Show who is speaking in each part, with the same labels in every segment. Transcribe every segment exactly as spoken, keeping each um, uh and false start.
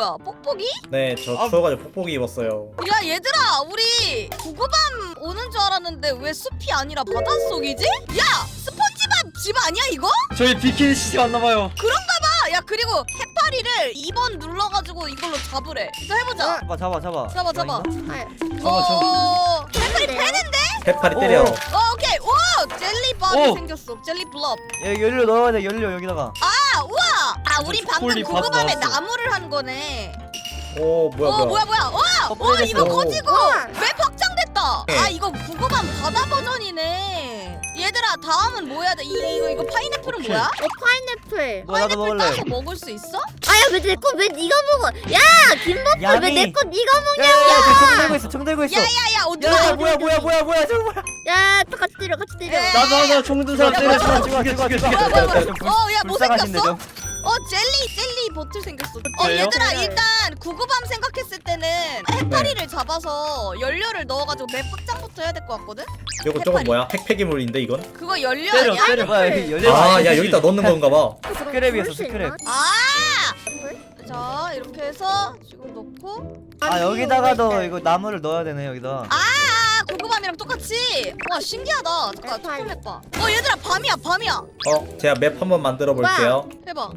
Speaker 1: 뭐야? 뽁뽁이?
Speaker 2: 네, 저
Speaker 3: 아.
Speaker 2: 추워가지고 폭폭이 입었어요.
Speaker 1: 야 얘들아 우리 구구밤 오는 줄 알았는데 왜 숲이 아니라 바닷속이지? 야 스폰지밥 집 아니야 이거?
Speaker 3: 저희 비키니 시티 왔나봐요.
Speaker 1: 아, 야 그리고 해파리를 이 번 눌러가지고 이걸로 잡으래. 자 해보자.
Speaker 3: 잡아 잡아 잡아.
Speaker 1: 잡아 잡아.
Speaker 3: 어,
Speaker 1: 어, 어 해파리
Speaker 4: 네.
Speaker 1: 패는데?
Speaker 2: 해파리
Speaker 3: 오.
Speaker 2: 때려.
Speaker 1: 어 오케이. 오 젤리 밥이
Speaker 3: 오.
Speaker 1: 생겼어. 젤리 블럽.
Speaker 3: 야 연료 넣어야 돼 연료 여기다가.
Speaker 1: 아 우와. 아 우리 방금
Speaker 3: 초콜릿 밥
Speaker 1: 구구밤에
Speaker 3: 나왔어.
Speaker 1: 나무를 한 거네.
Speaker 2: 오, 뭐야,
Speaker 1: 어
Speaker 2: 뭐야.
Speaker 1: 뭐야 뭐야. 와,
Speaker 3: 어,
Speaker 1: 와 이거
Speaker 2: 뿌려졌어.
Speaker 1: 커지고
Speaker 4: 우와.
Speaker 1: 맵 확장됐다.
Speaker 2: 네.
Speaker 1: 아 이거 구구밤 바다 버전이네. 얘들아 다음은 뭐 해야 돼? 이, 이거 이거 파인애플은
Speaker 3: 오케이.
Speaker 1: 뭐야?
Speaker 4: 어 파인애플.
Speaker 3: 뭐 나도
Speaker 1: 파인애플
Speaker 3: 먹을래.
Speaker 1: 따서 먹을 수 있어?
Speaker 4: 아야 왜 내 거 왜 네가 먹어? 야 김버프 왜
Speaker 3: 야미.
Speaker 4: 내 거 네가 먹냐?
Speaker 3: 야야야 총 들고 있어 총 들고 있어.
Speaker 1: 야야야 어디
Speaker 3: 야
Speaker 1: 가?
Speaker 3: 뭐야 뭐야 뭐야 뭐야 저거 뭐야.
Speaker 4: 야 또 같이 때려 같이 때려.
Speaker 1: 에.
Speaker 3: 나도 하나 총든 사람
Speaker 1: 야,
Speaker 3: 때려
Speaker 1: 뭐야,
Speaker 3: 죽여 죽여 죽여 죽여.
Speaker 1: 뭐야, 뭐야, 뭐야.
Speaker 3: 좀 불-
Speaker 1: 어, 야, 뭐
Speaker 3: 불쌍하신데
Speaker 1: 생겼어?
Speaker 3: 좀.
Speaker 1: 어 젤리 젤리 보틀 생겼어. 어
Speaker 3: 그래요?
Speaker 1: 얘들아
Speaker 4: 네.
Speaker 1: 일단 구구밤 생각했을 때는 해파리를 잡아서 연료를 넣어가지고 맵 확장부터 해야 될 것 같거든?
Speaker 2: 이거 저건 뭐야? 핵폐기물인데 이건?
Speaker 1: 그거 연료
Speaker 3: 때려
Speaker 1: 아니야?
Speaker 3: 때려. 뭐야 여기 연료.
Speaker 2: 아, 야 여기다 넣는 건가 봐.
Speaker 3: 스크랩이었어 스크랩.
Speaker 1: 아! 자 이렇게 해서 지금 넣고
Speaker 3: 아 여기다가도 이거 나무를 넣어야 되네 여기다.
Speaker 1: 아 구구밤이랑 똑같이. 와 신기하다. 잠깐
Speaker 4: 해파리.
Speaker 1: 초콜릿 봐. 어 얘들아 밤이야 밤이야.
Speaker 2: 어, 제가 맵 한번 만들어 볼게요.
Speaker 1: 해봐.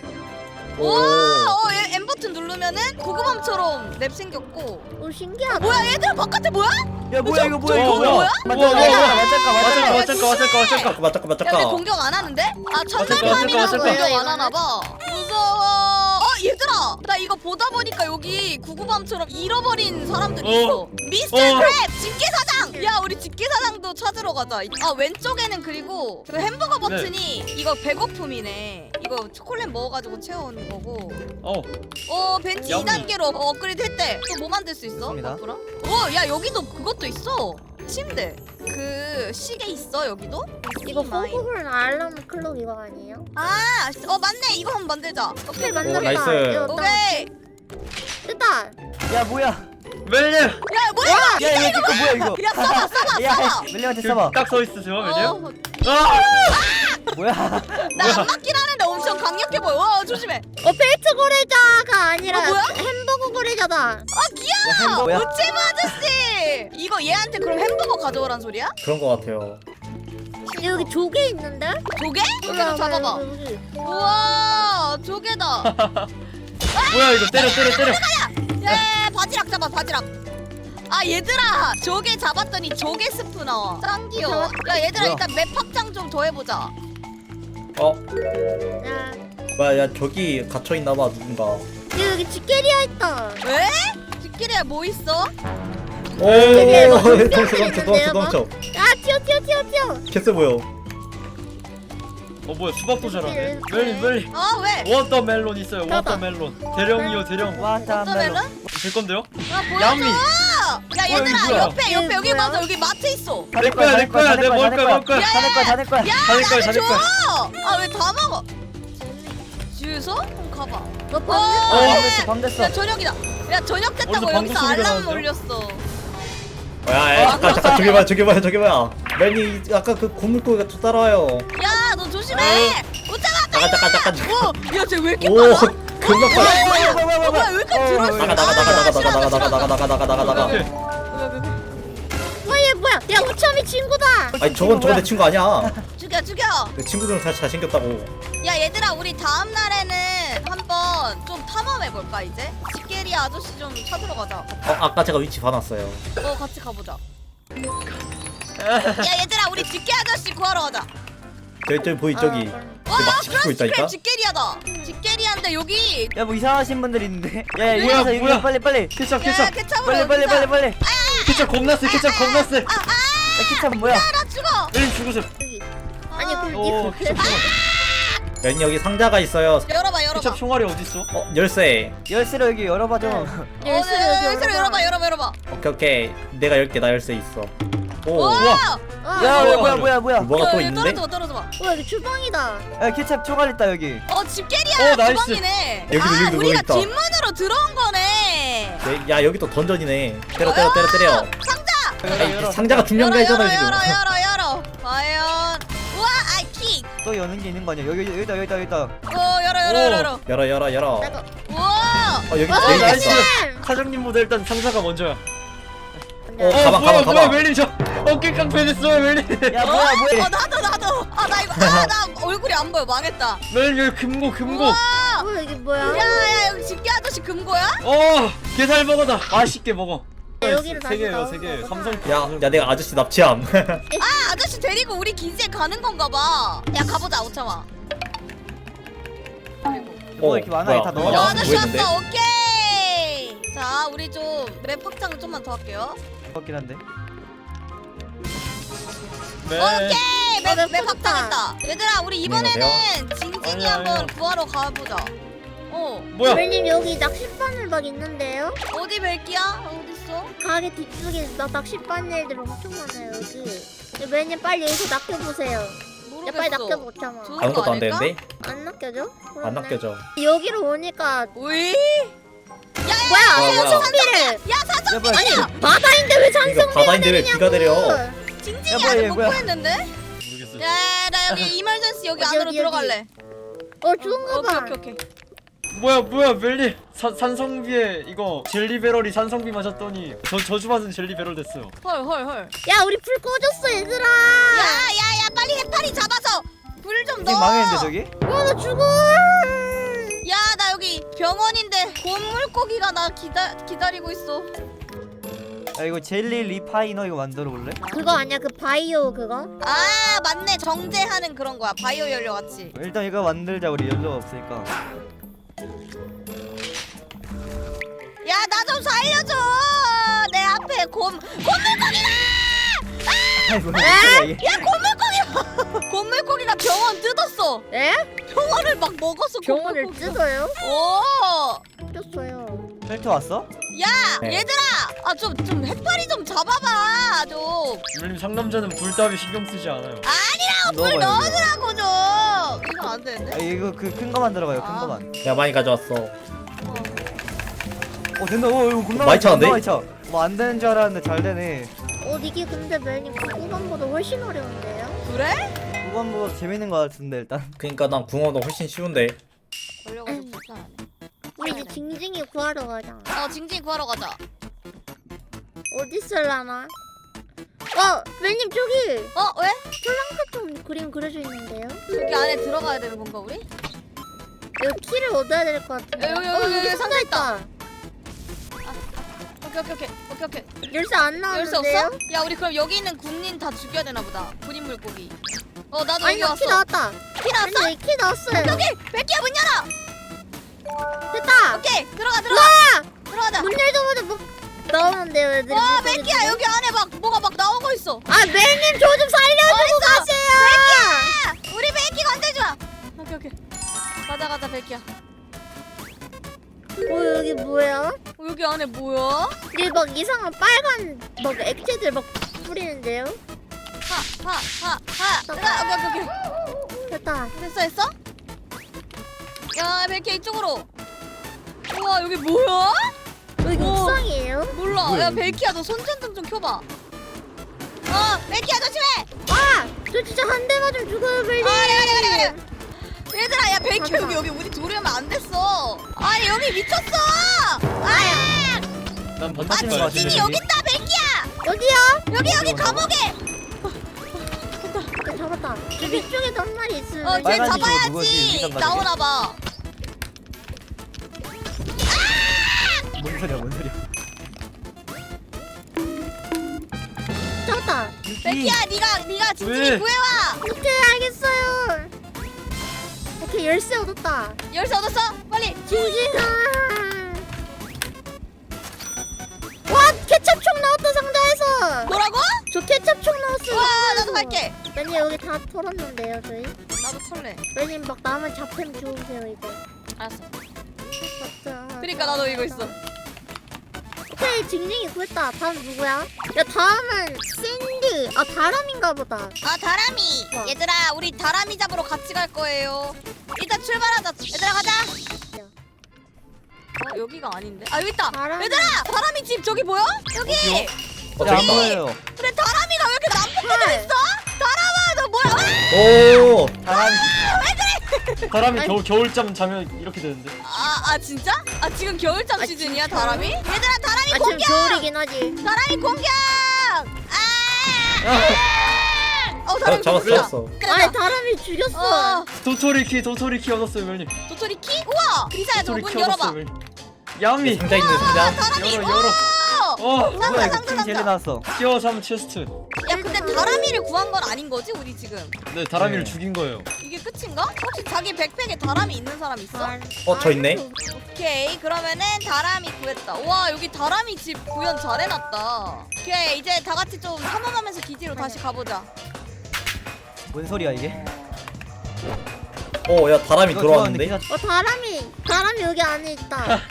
Speaker 2: 오.
Speaker 1: 와, 어, 얘 M 버튼 누르면은 구구밤처럼 맵 생겼고.
Speaker 4: 오 신기하다.
Speaker 1: 뭐야, 얘들아 바깥에 뭐야?
Speaker 3: 야 뭐야 이거 뭐야
Speaker 1: 저
Speaker 3: 이거
Speaker 1: 거기
Speaker 3: 뭐야?
Speaker 1: 뭐야?
Speaker 3: 맞짱가
Speaker 1: 뭐야, 뭐야?
Speaker 3: 맞짱가 맞짱가
Speaker 1: 야,
Speaker 3: 맞짱가 맞짱가 맞짱가.
Speaker 2: 잠깐만, 잠깐만,
Speaker 1: 야, 왜
Speaker 2: 잠깐.
Speaker 1: 공격 안 하는데? 아,
Speaker 3: 잠깐,
Speaker 1: 첫날밤이라서
Speaker 3: 잠깐,
Speaker 1: 공격
Speaker 4: 잠깐.
Speaker 1: 안 하나 봐. 무서워. 어, 얘들아, 나 이거 보다 보니까 여기 구구밤처럼 잃어버린 사람들이
Speaker 3: 어.
Speaker 1: 있어. 미스터
Speaker 3: 어.
Speaker 1: 크랩 집게사장. 야, 우리 집게사장도 찾으러 가자. 아, 왼쪽에는 그리고 그 햄버거 버튼이 이거 배고픔이네. 이거 초콜릿 먹어가지고 채워오는 거고.
Speaker 3: 어.
Speaker 1: 어 벤치
Speaker 3: 야미.
Speaker 1: 이 단계로 업그레이드 했대. 또 뭐 만들 수 있어?
Speaker 3: 좋습니다.
Speaker 1: 바쁘라? 어, 야 여기도 그것도 있어. 침대. 그 시계 있어 여기도?
Speaker 4: 이거
Speaker 1: 마인.
Speaker 4: 호구글 알람 클럭 이거 아니에요?
Speaker 1: 아, 어 맞네. 이거 한번 만들자.
Speaker 4: 오케이
Speaker 2: 오,
Speaker 4: 만들었다.
Speaker 2: 나이스.
Speaker 4: 이거 딱
Speaker 1: 오케이.
Speaker 4: 됐다.
Speaker 3: 야 뭐야? 멜리.
Speaker 1: 야 뭐야?
Speaker 3: 야 이거 이거 뭐야 이거?
Speaker 1: 야 써봐 써봐
Speaker 3: 야
Speaker 1: 써봐.
Speaker 3: 멜리한테 써봐. 딱 서 있으세요 멜리.
Speaker 1: 어,
Speaker 3: 아! 뭐야?
Speaker 1: 나안 맞긴 하는데 엄청 강력해 보여. 와 조심해.
Speaker 4: 어 페이트 고래자가 아니라
Speaker 1: 어, 뭐야?
Speaker 4: 햄버거 고래자다.
Speaker 1: 아 귀여워.
Speaker 3: 햄버거야?
Speaker 1: 우체부 아저씨. 이거 얘한테 그럼 햄버거 가져오란 소리야?
Speaker 2: 그런 거 같아요.
Speaker 4: 여기 조개 있는데?
Speaker 1: 조개? 조개 좀 잡아봐.
Speaker 4: 여기, 여기.
Speaker 1: 우와 조개다.
Speaker 3: 뭐야 이거 때려 때려 때려.
Speaker 1: 야 바지락 잡아 바지락. 아 얘들아 조개 잡았더니 조개 스프 나와. 짱 귀여워. 야 얘들아
Speaker 3: 뭐야?
Speaker 1: 일단 맵 확장 좀 더 해보자.
Speaker 2: 어,
Speaker 4: 야,
Speaker 2: 뭐야, 야 저기 갇혀 있나 봐 누군가.
Speaker 4: 여기, 여기 지게리아 있다.
Speaker 1: 왜? 뒷길에 뭐 있어?
Speaker 2: 오,
Speaker 4: 되게 뭐
Speaker 2: 덩쳐,
Speaker 4: 덩쳐
Speaker 2: 덩쳐, 덩쳐,
Speaker 4: 있는데요,
Speaker 2: 덩쳐.
Speaker 4: 야 튀어 튀어 튀어 튀어.
Speaker 2: 개쎄 보여.
Speaker 3: 어 뭐야 수박도 잘하네. 멜리 멜리.
Speaker 1: 어 왜?
Speaker 3: 워터멜론 있어요. 워터멜론. 대령이요 대령.
Speaker 1: 워터멜론?
Speaker 3: 제 건데요?
Speaker 1: 아 보여줘.
Speaker 3: 야미.
Speaker 1: 야
Speaker 3: 뭐야,
Speaker 1: 얘들아
Speaker 3: 이거 뭐야?
Speaker 1: 옆에 옆에
Speaker 4: 이게
Speaker 1: 여기
Speaker 4: 뭐야?
Speaker 1: 맞아 여기 마트 있어.
Speaker 3: 내 거야 내 거야 내 먹을 거야 먹을 거야.
Speaker 1: 야,
Speaker 3: 다내 거야 다내 거야. 다내 거야 다내
Speaker 1: 줘.
Speaker 3: 거야.
Speaker 1: 아 왜 다 먹어? 주유소? 그럼 가봐.
Speaker 4: 너
Speaker 1: 어,
Speaker 3: 어
Speaker 4: 방금
Speaker 3: 밤 됐어 밤 됐어.
Speaker 1: 야 저녁이다. 야 저녁 됐다고
Speaker 3: 어디서
Speaker 1: 여기서
Speaker 3: 방구 소리가
Speaker 1: 알람
Speaker 3: 나는데요?
Speaker 1: 울렸어.
Speaker 2: 야, 야, 잠깐, 잠깐, 저기 봐요, 저기 봐요, 저기 봐요. 맨이 아까 그 고물고기가 또 따라와요.
Speaker 1: 야 너 조심해. 오자마.
Speaker 2: 잠깐, 잠깐, 잠깐, 잠깐.
Speaker 1: 야 쟤 왜 이렇게
Speaker 2: 오,
Speaker 1: 빨라?
Speaker 2: 금방
Speaker 1: 어,
Speaker 2: 빨라.
Speaker 1: 뭐야, 뭐야, 뭐야, 뭐야, 왜 이렇게
Speaker 3: 어,
Speaker 1: 들어있어?
Speaker 2: 나가, 나가, 나가, 나가, 나가, 나가, 나가, 나가, 나가, 나가, 나가,
Speaker 3: 오케이.
Speaker 2: 나가.
Speaker 4: 뭐야 뭐야? 야 우참이 친구다.
Speaker 2: 아니 저건 저건 내 친구 아니야.
Speaker 1: 죽여 죽여.
Speaker 2: 내 친구들은 다 잘생겼다고.
Speaker 1: 야 얘들아 우리 다음 날에는 한번 좀 탐험해 볼까 이제? 집게리 아저씨 좀 찾으러 가자.
Speaker 2: 어, 아까 제가 위치 봐놨어요.
Speaker 1: 어 같이 가보자. 야 얘들아 우리 집게 아저씨 구하러 가자.
Speaker 2: 저기 저기 보이 저기.
Speaker 1: 와
Speaker 2: 막 지키고
Speaker 1: 그런
Speaker 2: 있다니까?
Speaker 1: 집게 집게리하다. 집게리한데 여기.
Speaker 3: 야 뭐 이상하신 분들 있는데. 야야
Speaker 1: 뭐야,
Speaker 3: 이리와서 뭐야? 이리 빨리 빨리. 케찹
Speaker 1: 야
Speaker 3: 케찹.
Speaker 1: 케찹으로
Speaker 3: 빨리 빨리
Speaker 1: 여기다.
Speaker 3: 빨리 빨리. 케찹 겁나 세 케찹 겁나 세. 야 케찹 뭐야?
Speaker 1: 나 죽어.
Speaker 3: 멜리 죽으세요.
Speaker 4: 여기. 아니
Speaker 1: 아,
Speaker 4: 그럼
Speaker 3: 오
Speaker 4: 이거
Speaker 3: 케찹 총알.
Speaker 2: 맨 여기 상자가 있어요.
Speaker 1: 열어봐 열어봐.
Speaker 3: 케찹 총알이 어디 있어?
Speaker 2: 어, 열쇠.
Speaker 3: 열쇠로 여기 열어봐 좀.
Speaker 1: 어, 네, 열쇠로 열어봐 열어봐 열어봐.
Speaker 2: 오케이 오케이. 내가 열게 나 열쇠 있어. 오.
Speaker 1: 와.
Speaker 4: 아,
Speaker 3: 야
Speaker 4: 어,
Speaker 3: 뭐야 뭐야 뭐야 뭐야.
Speaker 2: 뭐가 또
Speaker 1: 야,
Speaker 2: 있는데?
Speaker 1: 떨어져봐 떨어져봐.
Speaker 4: 와 여기 주방이다.
Speaker 3: 야 케찹 총알 있다 여기.
Speaker 1: 어 집게리야
Speaker 3: 오, 나이스.
Speaker 1: 주방이네.
Speaker 2: 여기도,
Speaker 1: 아
Speaker 2: 여기도
Speaker 1: 우리가
Speaker 2: 뭐 있다.
Speaker 1: 뒷문으로 들어온 거네.
Speaker 2: 네, 야 여기 또 던전이네. 때려 때려 때려 때려.
Speaker 1: 상자.
Speaker 3: 열어,
Speaker 2: 아니,
Speaker 3: 열어.
Speaker 2: 상자가 중요한 거
Speaker 1: 열어
Speaker 2: 있잖아
Speaker 1: 열어
Speaker 2: 지금.
Speaker 1: 열어 열어 열어. 과연. 우와 아이 킥.
Speaker 3: 또 여는 게 있는 거 아니야? 여기 여기다 여기다 여기다.
Speaker 1: 어 열어 열어
Speaker 3: 오.
Speaker 1: 열어 열어.
Speaker 2: 열어 열어 열어.
Speaker 4: 나도.
Speaker 1: 우와
Speaker 2: 어 여기
Speaker 4: 어,
Speaker 2: 메인
Speaker 3: 나이스.
Speaker 2: 있어.
Speaker 3: 사장님보다 일단 상사가 먼저야.
Speaker 2: 어
Speaker 3: 어,
Speaker 2: 가방
Speaker 3: 뭐야,
Speaker 2: 가방
Speaker 3: 뭐야,
Speaker 2: 가방.
Speaker 3: 멜린 저 어깨 깡패 됐어, 멜린.
Speaker 5: 야 뭐야 뭐야
Speaker 1: 어 나도 나도. 아 나 이거 아 나 얼굴이 안 보여 망했다.
Speaker 3: 멜린 여기 금고, 금고.
Speaker 1: 우와.
Speaker 4: 뭐야 이게 뭐야?
Speaker 1: 야야 여기 집게 아저씨 금고야?
Speaker 3: 어, 게살 먹어다. 맛있게 먹어.
Speaker 4: 야, 여기로
Speaker 3: 세
Speaker 4: 다시
Speaker 3: 개예요,
Speaker 4: 나오는
Speaker 3: 세 개.
Speaker 4: 거구나.
Speaker 3: 삼성.
Speaker 2: 야, 야 내가 아저씨 납치함.
Speaker 1: 아 아저씨 데리고 우리 기지에 가는 건가 봐. 야 가보자 오참아.
Speaker 5: 뭐 이렇게 많아
Speaker 2: 뭐야,
Speaker 5: 다
Speaker 2: 뭐야,
Speaker 1: 어,
Speaker 5: 넣어
Speaker 1: 아저씨
Speaker 2: 뭐 있는데?
Speaker 1: 왔어 오케이. 자 우리 좀 맵 확장 좀만 더 할게요.
Speaker 5: 같긴 한데
Speaker 3: 네.
Speaker 1: 오케이
Speaker 4: 어,
Speaker 1: 맵,
Speaker 4: 맵
Speaker 1: 맵
Speaker 4: 터졌다.
Speaker 1: 확장했다. 얘들아 우리 이번에는 징징이
Speaker 3: 아니, 아니.
Speaker 1: 한번 구하러 가보자. 어
Speaker 3: 뭐야?
Speaker 4: 멜님 여기 낚싯바늘 막 있는데요?
Speaker 1: 어디 벨기야? 어딨어?
Speaker 4: 가게 뒤쪽에 나 낚싯바늘들 엄청 많아요 여기. 멜님 빨리 여기서 낚여보세요. 야
Speaker 1: 모르겠어.
Speaker 4: 빨리 낚여보자마.
Speaker 1: 저-
Speaker 2: 아무것도 안
Speaker 1: 아닐까?
Speaker 2: 되는데?
Speaker 4: 안 낚여져?
Speaker 2: 안
Speaker 4: 그렇네.
Speaker 2: 낚여져.
Speaker 4: 여기로 오니까
Speaker 1: 오이?
Speaker 4: 뭐야?
Speaker 2: 뭐야, 뭐야.
Speaker 4: 산성비를.
Speaker 1: 야 사장
Speaker 5: 야 뭐야
Speaker 4: 아니 바다인데 왜
Speaker 2: 이거
Speaker 4: 산성비가
Speaker 2: 바다인데 왜 비가 내려?
Speaker 1: 징징이
Speaker 5: 야, 뭐야,
Speaker 1: 아직
Speaker 5: 얘
Speaker 1: 못
Speaker 5: 뭐야?
Speaker 1: 구했는데?
Speaker 3: 모르겠어.
Speaker 1: 야나 여기 이멀전시 여기
Speaker 4: 어디,
Speaker 1: 안으로
Speaker 4: 어디,
Speaker 1: 들어갈래.
Speaker 4: 어 좋은가
Speaker 1: 오케이
Speaker 4: 봐.
Speaker 1: 오케이 오케이.
Speaker 3: 뭐야, 뭐야, 멜린. 산 산성비에 이거 젤리 배럴이 산성비 맞았더니 저 저주 받은 젤리 배럴 됐어요.
Speaker 1: 헐 헐 헐.
Speaker 4: 야 우리 불 꺼졌어 얘들아.
Speaker 1: 야야야 빨리 해파리 잡아서 불 좀
Speaker 5: 지금
Speaker 1: 넣어.
Speaker 5: 망했는데 저기?
Speaker 4: 와나 죽어.
Speaker 1: 야 나 여기 병원인데 곰물고기가 나 기다 기다리고 있어.
Speaker 5: 야 이거 젤리 리파이너 이거 만들어 볼래?
Speaker 4: 그거 아니야 그 바이오 그거?
Speaker 1: 아 맞네 정제하는 그런 거야 바이오 연료 같이.
Speaker 5: 일단 이거 만들자 우리 연료가 없으니까
Speaker 1: 야 나 좀 살려줘. 내 앞에 곰 곰물고기다.
Speaker 5: 아이 뭐야 이게
Speaker 1: 야 곰물고기. 곰물고기가 병원 뜯었어.
Speaker 4: 에?
Speaker 1: 병원을 막 먹었어.
Speaker 4: 병원을
Speaker 1: 곰물고기가.
Speaker 4: 뜯어요?
Speaker 1: 오.
Speaker 4: 뜯었어요.
Speaker 5: 펠트 왔어?
Speaker 1: 야
Speaker 2: 네.
Speaker 1: 얘들아 아 좀 좀 해파리 좀 잡아봐 좀.
Speaker 3: 멜린 상남자는 불 따위 신경 쓰지 않아요.
Speaker 1: 불
Speaker 5: 넣어봐요
Speaker 1: 넣어주라고 좀. 이거 안 되는데?
Speaker 5: 아 이거 그 큰 거 만들어가요 큰
Speaker 1: 아.
Speaker 5: 거만
Speaker 2: 야 많이 가져왔어.
Speaker 5: 어 된다 어 이거 겁나
Speaker 2: 많이 차는데?
Speaker 5: 많이 차뭐안 되는 줄 알았는데 잘 되네
Speaker 4: 어 이게 근데 멜님 구간보다 훨씬 어려운데요?
Speaker 1: 그래?
Speaker 5: 후반부가 재밌는 거 같은데 일단
Speaker 2: 그러니까 난 붕어도 훨씬 쉬운데.
Speaker 1: 걸려가지고 불편하네.
Speaker 4: 우리 이제 징징이 구하러 가자.
Speaker 1: 어 징징이 구하러 가자.
Speaker 4: 어디 있을라나? 어 멜님 저기
Speaker 1: 어 왜?
Speaker 4: 좀 그림 그려져 있는데요?
Speaker 1: 저기 안에 들어가야 되는 건가 우리?
Speaker 4: 여기 키를 얻어야 될 것 같은데.
Speaker 1: 여기, 여기,
Speaker 4: 어
Speaker 1: 여기,
Speaker 4: 여기
Speaker 1: 여기
Speaker 4: 상자 있다.
Speaker 1: 오케이 오케이 오케이 오케이 오케이.
Speaker 4: 열쇠 안
Speaker 1: 열쇠
Speaker 4: 나왔는데요?
Speaker 1: 없어? 야 우리 그럼 여기 있는 군인 다 죽여야 되나 보다. 군인 물고기. 어 나도
Speaker 4: 아니
Speaker 1: 여기
Speaker 4: 나키
Speaker 1: 왔어.
Speaker 4: 나왔다.
Speaker 1: 키 나왔어?
Speaker 4: 아니 여기 키 나왔어요.
Speaker 1: 여기 백기야 문 열어.
Speaker 4: 됐다.
Speaker 1: 오케이 들어가 들어가. 들어가자.
Speaker 4: 문 열자마자 뭐 나오는데요 애들이.
Speaker 1: 와
Speaker 4: 물고기
Speaker 1: 백기야
Speaker 4: 중에?
Speaker 1: 여기 안에 막 뭐가 막 나오고 있어.
Speaker 4: 아 멜님 저 좀 살려주고 가세요.
Speaker 1: 백기야 우리 백기 건들지 마. 오케이 오케이. 가자 가자 백기야.
Speaker 4: 어 여기 뭐야?
Speaker 1: 어, 여기 안에 뭐야?
Speaker 4: 여기 막 이상한 빨간 막 액체들 막 뿌리는데요?
Speaker 1: 하하하하. 들어가 오케이 오케이 오케이.
Speaker 4: 됐다.
Speaker 1: 됐어 됐어? 야 백기야 이쪽으로. 우와 여기 뭐야?
Speaker 4: 여기
Speaker 1: 오.
Speaker 4: 옥상이에요?
Speaker 1: 몰라.
Speaker 5: 뭐야,
Speaker 1: 야
Speaker 5: 여기?
Speaker 1: 벨키야 너 손전등 좀 켜봐. 어 벨키야 조심해.
Speaker 4: 아! 저 진짜 한 대 맞으면 죽어요 멜님.
Speaker 1: 아 그래 그래 그래 그래. 얘들아 야 벨키
Speaker 4: 가자.
Speaker 1: 여기 여기 우리 둘이 하면 안 됐어. 아니 여기 미쳤어. 아,
Speaker 3: 난
Speaker 1: 아
Speaker 3: 번지는 거 같은데.
Speaker 1: 징징이 여기 있다 벨키야.
Speaker 4: 어디야?
Speaker 1: 여기 여기 감옥에.
Speaker 4: 나 잡았다. 저 위쪽에도 한 마리 있어요.
Speaker 1: 어쟤
Speaker 5: 빨간 집으로 누구지?
Speaker 1: 잡아야지.
Speaker 5: 위장 가족이?
Speaker 1: 나오나 봐.
Speaker 5: 뭔 소리야 뭔 소리야
Speaker 4: 잡았다.
Speaker 1: 벨키야 네가 네가 징징이
Speaker 3: 왜?
Speaker 1: 구해와.
Speaker 4: 오케이 알겠어요. 오케이 열쇠 얻었다.
Speaker 1: 열쇠 얻었어? 빨리.
Speaker 4: 징징아. 와 케첩총 나왔다 상자에서.
Speaker 1: 뭐라고?
Speaker 4: 저 케첩총 나왔어요.
Speaker 1: 와
Speaker 4: 상자에서.
Speaker 1: 나도 갈게.
Speaker 4: 멜님 여기 다 털었는데요 저희.
Speaker 1: 나도 털래.
Speaker 4: 멜님 막 남은 잡템 주우세요 이거.
Speaker 1: 알았어.
Speaker 4: 맞다.
Speaker 1: 그러니까 나도 이거 있어.
Speaker 4: 오케이 징징이 구했다. 다음 누구야? 야 다음은 샌디. 아 다람인가 보다.
Speaker 1: 아 다람이.
Speaker 4: 어.
Speaker 1: 얘들아 우리 다람이 잡으러 같이 갈 거예요. 일단 출발하자. 얘들아 가자. 어 여기가 아닌데? 아 여기 있다.
Speaker 4: 다람이.
Speaker 1: 얘들아 다람이 집 저기 보여? 여기.
Speaker 3: 어디요?
Speaker 2: 어
Speaker 5: 안
Speaker 2: 저기 있다.
Speaker 5: 보여요
Speaker 1: 그래 다람이가 왜 이렇게 남북해져
Speaker 4: 헐.
Speaker 1: 있어? 다람아 너 뭐야? 아!
Speaker 2: 오.
Speaker 5: 바람이
Speaker 3: 사람이 겨울 겨울잠 자면 이렇게 되는데.
Speaker 1: 아, 아 진짜? 아 지금 겨울잠
Speaker 4: 아,
Speaker 1: 시즌이야
Speaker 4: 진짜?
Speaker 1: 다람이? 얘들아 다람이
Speaker 4: 아 지금
Speaker 1: 공격!
Speaker 4: 겨울이긴 하지.
Speaker 1: 다람이 공격! 아! 어
Speaker 2: 어,
Speaker 1: 다람이
Speaker 2: 잡았어
Speaker 1: 죽었어.
Speaker 2: 잡았어.
Speaker 4: 아니 다람이 죽였어.
Speaker 1: 어
Speaker 3: 도토리 키 도토리 키 얻었어요 멜님.
Speaker 1: 도토리 키? 우와! 그리사야 저
Speaker 3: 도토리
Speaker 1: 문
Speaker 3: 키
Speaker 1: 열어봐.
Speaker 3: 얻었어요 멜님. 야미.
Speaker 2: 상자 있네 상자.
Speaker 1: 다람이
Speaker 3: 열어
Speaker 1: 어!
Speaker 3: 열어. 어.
Speaker 1: 상자
Speaker 5: 뭐야 이거
Speaker 1: 상자
Speaker 5: 킹 젤리
Speaker 1: 상자.
Speaker 5: 나왔어.
Speaker 3: 티어 삼 체스트.
Speaker 1: 야 근데 다람이를 구한 건 아닌 거지 우리 지금?
Speaker 3: 네 다람이를
Speaker 2: 네.
Speaker 3: 죽인 거예요.
Speaker 1: 이게 끝인가? 혹시 자기 백팩에 다람이 있는 사람 있어?
Speaker 2: 어, 저 있네.
Speaker 1: 오케이 그러면은 다람이 구했다. 와 여기 다람이 집 구현 잘 해놨다. 오케이 이제 다 같이 좀 탐험하면서 기지로 다시 가보자.
Speaker 5: 뭔 소리야 이게?
Speaker 2: 어 야 다람이
Speaker 5: 이거
Speaker 2: 들어왔는데.
Speaker 5: 좋아하는데 기사-
Speaker 4: 어 다람이 다람이 여기 안에 있다.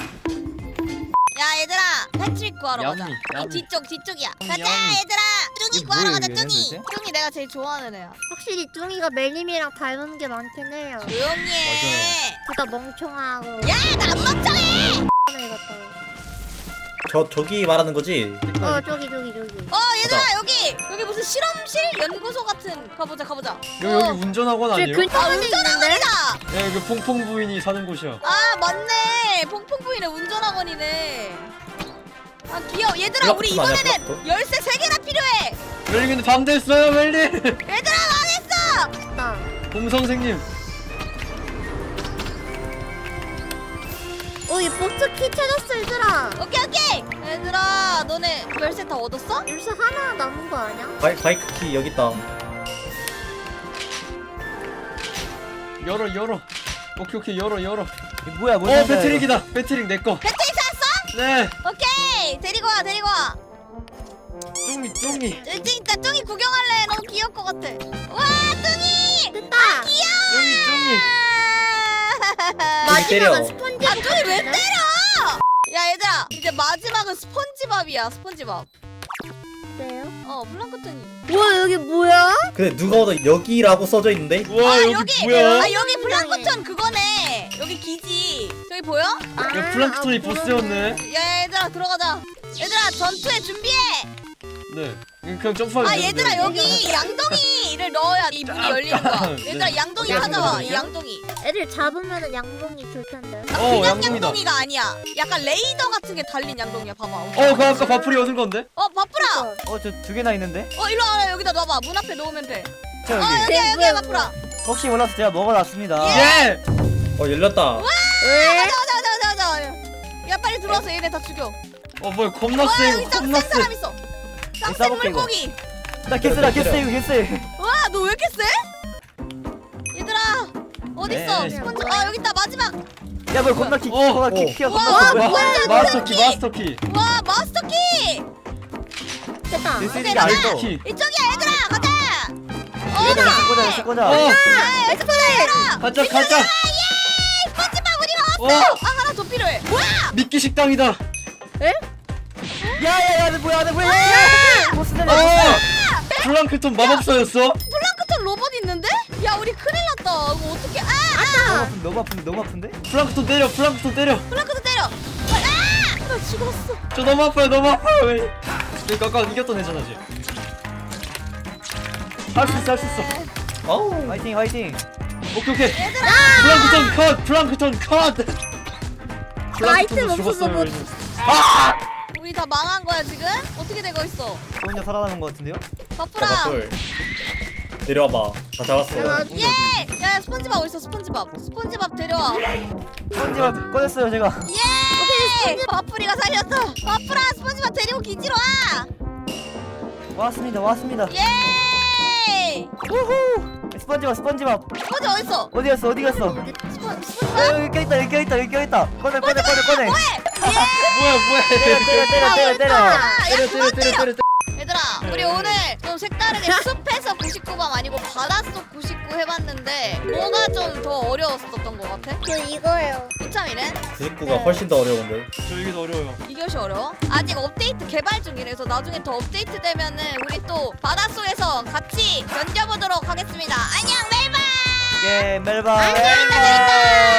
Speaker 1: 야 얘들아 패트릭 구하러 가자.
Speaker 3: 얌미,
Speaker 1: 이
Speaker 3: 얌미.
Speaker 1: 뒤쪽 뒤쪽이야.
Speaker 3: 얌미,
Speaker 1: 가자
Speaker 3: 얌미.
Speaker 1: 얘들아. 뚱이
Speaker 5: 이게
Speaker 1: 구하러
Speaker 5: 뭐예요,
Speaker 1: 가자
Speaker 5: 얘는
Speaker 1: 뚱이.
Speaker 5: 도대체?
Speaker 1: 뚱이 내가 제일 좋아하는 애야.
Speaker 4: 확실히 뚱이가 멜님이랑 닮은 게 많긴 해요.
Speaker 1: 조용히 해.
Speaker 4: 둘 다 멍청하고.
Speaker 1: 야나 안 멍청해.
Speaker 4: 하나 이겼다.
Speaker 2: 저 저기 말하는 거지.
Speaker 4: 어 저기 저기 저기.
Speaker 1: 어 얘들아 여기 여기 무슨 실험실 연구소 같은 가보자 가보자.
Speaker 3: 여기
Speaker 1: 어.
Speaker 3: 여기 운전학원
Speaker 4: 저
Speaker 3: 아니에요?
Speaker 1: 아
Speaker 4: 근처에 있는데?
Speaker 1: 운전학원이다.
Speaker 3: 네 여기 퐁퐁 부인이 사는 곳이야.
Speaker 1: 아 맞네 퐁퐁 부인의 운전학원이네. 아 귀여워 얘들아 우리
Speaker 2: 블락부터 아니야,
Speaker 1: 이번에는
Speaker 2: 블락부터?
Speaker 1: 열쇠 세 개나 필요해.
Speaker 3: 멜님 근데 밤 됐어요 멜님.
Speaker 1: 얘들아 망했어.
Speaker 4: 나.
Speaker 3: 곰 선생님.
Speaker 4: 어이 보트 키 찾았어 얘들아.
Speaker 1: 오케이 오케이 얘들아 너네 열쇠 다 얻었어?
Speaker 4: 열쇠 하나 남은 거 아니야?
Speaker 2: 바이 바이크 키 여기 있다.
Speaker 3: 열어 열어. 오케이 오케이 열어 열어.
Speaker 5: 이거 뭐야 뭔
Speaker 3: 어
Speaker 5: 상자야,
Speaker 3: 배트릭이다. 배트릭 내 거.
Speaker 1: 배터리 샀어?
Speaker 3: 네.
Speaker 1: 오케이 데리고 와 데리고 와.
Speaker 3: 뚱이 뚱이.
Speaker 1: 뚱이 있다 뚱이 구경할래. 너무 귀여울 것 같아. 와 뚱이
Speaker 4: 됐다.
Speaker 3: 뚱이 뚱이.
Speaker 2: 뚱이 때려.
Speaker 4: 마지막은 스펀지.
Speaker 1: 아 뚱이 왜 때려? 야 얘들아 이제 마지막은 스펀지밥이야 스펀지밥.
Speaker 4: 때요?
Speaker 1: 어 플랑크톤이.
Speaker 4: 우와 여기 뭐야?
Speaker 2: 근데 누가 봐도 여기라고 써져 있는데.
Speaker 3: 우와
Speaker 1: 아
Speaker 3: 여기,
Speaker 1: 여기
Speaker 3: 뭐야?
Speaker 1: 아 여기 플랑크톤 그거네. 여기 기지. 저기 보여?
Speaker 4: 아,
Speaker 3: 야 플랑크톤이
Speaker 4: 아,
Speaker 3: 보스였네.
Speaker 1: 야 얘들아 들어가자. 얘들아 전투에 준비해.
Speaker 3: 네. 그냥 점프하면
Speaker 1: 아
Speaker 3: 되는데,
Speaker 1: 얘들아
Speaker 3: 이거.
Speaker 1: 여기 양동이를 넣어야 이 문이 열리는 거야. 얘들아
Speaker 3: 네.
Speaker 1: 양동이
Speaker 3: 어떻게
Speaker 1: 찾아와.
Speaker 3: 하는
Speaker 1: 이
Speaker 3: 거거든요?
Speaker 1: 양동이.
Speaker 4: 애들 잡으면은 양동이 줄 텐데.
Speaker 3: 어
Speaker 1: 그냥
Speaker 3: 양동이다.
Speaker 1: 양동이가 아니야. 약간 레이더 같은 게 달린 양동이야. 봐봐.
Speaker 3: 어 그거 아까 바풀이 얻은 건데?
Speaker 1: 어 바쁘라.
Speaker 5: 어 저 두 개나 있는데?
Speaker 1: 어 일로 와라 여기다 놔봐. 문 앞에 놓으면 돼.
Speaker 5: 저
Speaker 1: 어
Speaker 5: 여기
Speaker 1: 여기야 여기야
Speaker 4: 뭐야,
Speaker 1: 바쁘라.
Speaker 5: 혹시 몰라서 제가 먹어놨습니다.
Speaker 3: 예!
Speaker 2: 어 열렸다.
Speaker 4: 왜?
Speaker 1: 가자 가자 가자 가자. 야 빨리 들어와서 얘네 다 죽여.
Speaker 3: 어 뭐야 겁나
Speaker 1: 와
Speaker 3: 세
Speaker 1: 여기 짱센
Speaker 3: 겁나 세.
Speaker 1: 사람 있어. 짱센
Speaker 5: 싸볼게, 이거.
Speaker 1: 물고기.
Speaker 5: 나 개쎄다 개쎄 이거 개쎄.
Speaker 1: 와 너 왜 이렇게 세? 얘들아 어디 있어?
Speaker 3: 네.
Speaker 1: 스펀지. 아 여기 있다 마지막.
Speaker 5: 야 뭐야 겁나 키
Speaker 3: 어.
Speaker 5: 겁나 키
Speaker 2: 어.
Speaker 5: 키가
Speaker 1: 와,
Speaker 5: 겁나 커
Speaker 1: 뭐야?
Speaker 5: 뭐야?
Speaker 1: 완전
Speaker 3: 마스터 키
Speaker 1: 키.
Speaker 3: 마스터 키.
Speaker 1: 와 마스터 키.
Speaker 4: 됐다.
Speaker 5: 내 쓰는
Speaker 1: 오케이,
Speaker 5: 게 아니죠?
Speaker 3: 키.
Speaker 1: 이쪽이야 얘들아 가자. 어
Speaker 5: 얘들아 꺼자 꺼자 꺼자.
Speaker 3: 어
Speaker 1: 아, 엑스플레이러.
Speaker 3: 가자 가자.
Speaker 1: 예! 스펀지밥 우리가
Speaker 3: 어
Speaker 1: 왔어. 아 하나 더 필요해. 뭐야?
Speaker 3: 미끼 식당이다.
Speaker 5: 야야야 너 뭐야 너 뭐야? 보스 되네.
Speaker 3: 어 플랑크톤 마법사였어?
Speaker 1: 플랑크톤 로봇 있는데? 야 우리 큰일 났다. 이거 어떻게? 아,
Speaker 5: 너무
Speaker 1: 아!
Speaker 5: 아픈데 너무 아픈데 너무 아픈데?
Speaker 3: 플랑크톤 때려 플랑크톤 때려.
Speaker 1: 플랑크톤 때려. 아! 나 죽었어.
Speaker 3: 저 너무 아파요 너무 아파요. 왜? 그러니까 아까 이겼던 애잖아 지. 할수 있어 할 수 있어.
Speaker 2: 어우.
Speaker 5: 화이팅 화이팅.
Speaker 3: 오케이 오케이.
Speaker 1: 얘들아.
Speaker 3: 플랑크톤 컷 플랑크톤 컷.
Speaker 4: 아이템
Speaker 3: 플랑크톤도
Speaker 4: 없어서
Speaker 3: 죽었어요.
Speaker 4: 못-
Speaker 3: 멜님.
Speaker 1: 우리 다 망한 거야 지금? 어떻게 되고 있어?
Speaker 5: 저 혼자 살아남은 것 같은데요?
Speaker 1: 바쁘라.
Speaker 2: 잡았돌. 내려와봐. 다 잡았어.
Speaker 4: 야,
Speaker 1: 예! 야 스펀지밥 어딨어 스펀지밥. 스펀지밥 데려와.
Speaker 5: 스펀지밥 꺼냈어요 제가.
Speaker 1: 예! 바쁘리가 살렸어. 바쁘라 스펀지밥 데리고 기지로 와.
Speaker 5: 왔습니다 왔습니다.
Speaker 1: 예!
Speaker 5: 우후. 스펀지밥 스펀지밥
Speaker 1: 스펀지 어딨어?
Speaker 5: 어디 갔어 어디 갔어?
Speaker 1: 스펀
Speaker 5: 어,
Speaker 1: 스펀지밥?
Speaker 5: 여기 껴있다 여기 껴있다 여기 껴있다. 꺼내 꺼내 꺼내 꺼내.
Speaker 1: 뭐해?
Speaker 3: 뭐야 뭐야.
Speaker 5: 때려 때려 때려 때려 때려.
Speaker 1: 아, 야
Speaker 3: 때려
Speaker 1: 그만
Speaker 3: 때려 때려 때려.
Speaker 1: 얘들아 우리 오늘 좀 색다르게 숲에서 구십구 방 아니고 바닷속 구십구 해봤는데 뭐가 좀 더 어려웠었던 것 같아?
Speaker 4: 저 이거예요.
Speaker 1: 이참이는
Speaker 2: 구십구가 훨씬 더 어려운데.
Speaker 3: 저 이게 더 어려워요.
Speaker 1: 이것이 어려워? 아직 업데이트 개발 중이라서 나중에 더 업데이트 되면은 우리 또 바닷속에서 같이 견뎌보도록 하겠습니다. 안녕 멜바!
Speaker 5: 예 멜바.
Speaker 1: 재밌다 재밌다!